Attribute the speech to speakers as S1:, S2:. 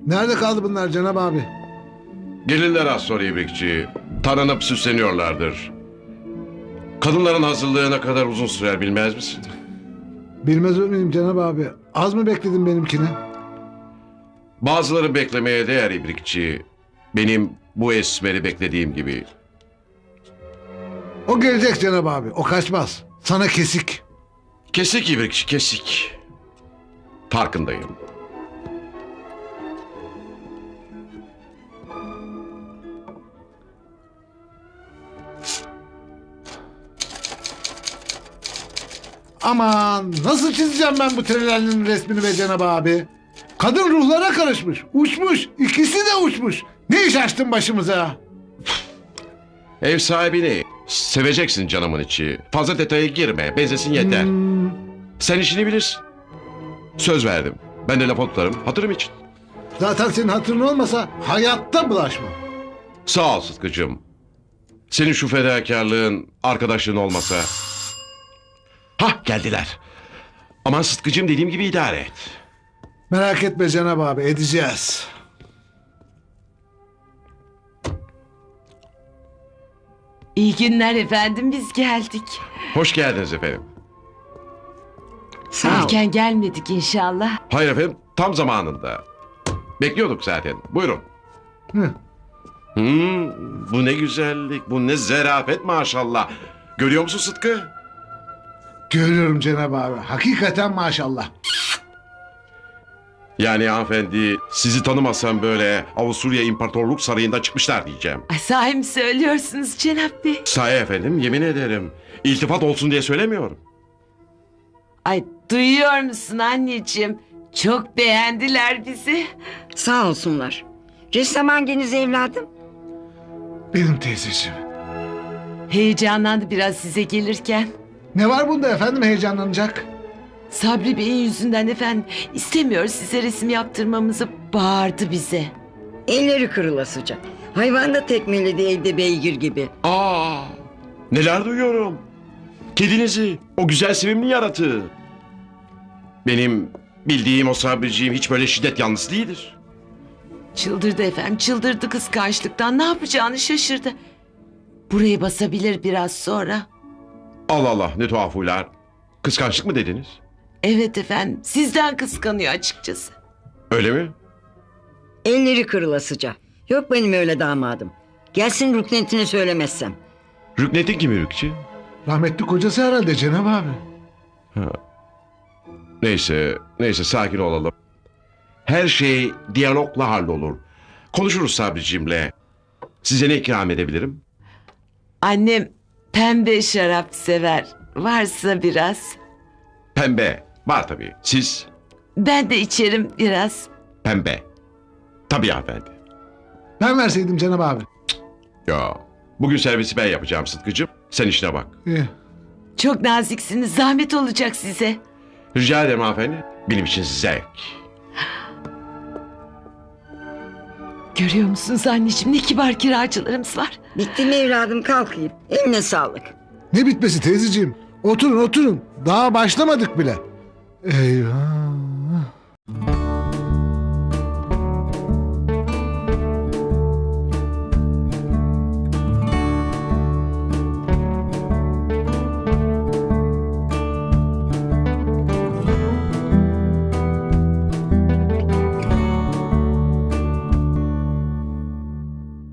S1: Nerede kaldı bunlar Cenab abi?
S2: Gelirler az sonra İbrikçi. Taranıp süsleniyorlardır. Kadınların hazırlığı ne kadar uzun sürer bilmez misin?
S1: Bilmez miyim Cenab abi? Az mı bekledin benimkini?
S2: Bazıları beklemeye değer İbrikçi. Benim bu esmeri beklediğim gibi.
S1: O gelecek Cenab abi. O kaçmaz. Sana kesik.
S2: Kesik İbrikçi, kesik. Farkındayım.
S1: Aman nasıl çizeceğim ben bu trelerinin resmini be Cenab abi? Kadın ruhlara karışmış. Uçmuş. İkisi de uçmuş. Ne iş açtın başımıza?
S2: Ev sahibini seveceksin canımın içi. Fazla detaya girme. Benzesin yeter. Sen işini bilirsin. Söz verdim. Ben de laf tutarım. Hatırım için.
S1: Zaten senin hatırın olmasa hayatta bulaşma.
S2: Sağ ol Sıtkı'cığım. Senin şu fedakarlığın, arkadaşlığın olmasa... Hah geldiler. Aman Sıtkı'cığım dediğim gibi idare et.
S1: Merak etme Cenab abi edeceğiz.
S3: İyi günler efendim, biz geldik.
S2: Hoş geldiniz efendim.
S4: Sağ ol.
S3: Erken gelmedik inşallah.
S2: Hayır efendim tam zamanında. Bekliyorduk zaten. Buyurun.
S1: Hı.
S2: Bu ne güzellik, bu ne zarafet maşallah. Görüyor musun Sıtkı?
S1: Görüyorum Cenab abi. Hakikaten maşallah.
S2: Yani hanımefendi sizi tanımasam böyle Avusturya İmparatorluk Sarayı'ndan çıkmışlar diyeceğim.
S3: Ay, sahi mi söylüyorsunuz Cenap Bey?
S2: Sahi efendim yemin ederim. İltifat olsun diye söylemiyorum.
S3: Ay, duyuyor musun anneciğim? Çok beğendiler bizi.
S4: Sağ olsunlar. Ressam hanginiz evladım?
S1: Benim teyzeciğim.
S3: Heyecanlandı biraz size gelirken.
S1: Ne var bunda efendim heyecanlanacak?
S3: Sabri Bey'in yüzünden efendim istemiyor size resim yaptırmamızı, bağırdı bize.
S4: Elleri kırılasıca. Hayvan da tekmeledi evde beygir gibi.
S2: Aa, neler duyuyorum. Kedinizi, o güzel sevimli yaratığı. Benim bildiğim o Sabriciğim hiç böyle şiddet yanlısı değildir.
S3: Çıldırdı efendim, çıldırdı kıskançlıktan, ne yapacağını şaşırdı. Burayı basabilir biraz sonra.
S2: Allah Allah ne tuhaf huylar. Kıskançlık mı dediniz?
S3: Evet efendim, sizden kıskanıyor açıkçası.
S2: Öyle mi?
S4: Elleri kırılasıca. Yok benim öyle damadım. Gelsin rüknetine söylemezsem.
S2: Rüknetin kimi Rükçü?
S1: Rahmetli kocası herhalde Cenab abi.
S2: Neyse sakin olalım. Her şey diyalogla hallolur. Konuşuruz Sabriciğimle. Size ne ikram edebilirim?
S3: Annem pembe şarap sever. Varsa biraz.
S2: Pembe. Var tabii. Siz?
S3: Ben de içerim biraz.
S2: Pembe. Tabii hanımefendi.
S1: Ben verseydim Cenab abi.
S2: Ya bugün servisi ben yapacağım Sıtkı'cığım. Sen işine bak.
S1: İyi.
S3: Çok naziksiniz. Zahmet olacak size.
S2: Rica ederim hanımefendi. Benim için zevk.
S3: Görüyor musunuz anneciğim, ne kibar kiracılarımız var.
S4: Bitti mi evladım, kalkayım. Eline sağlık.
S1: Ne bitmesi teyzeciğim? Oturun oturun. Daha başlamadık bile. Eyvah.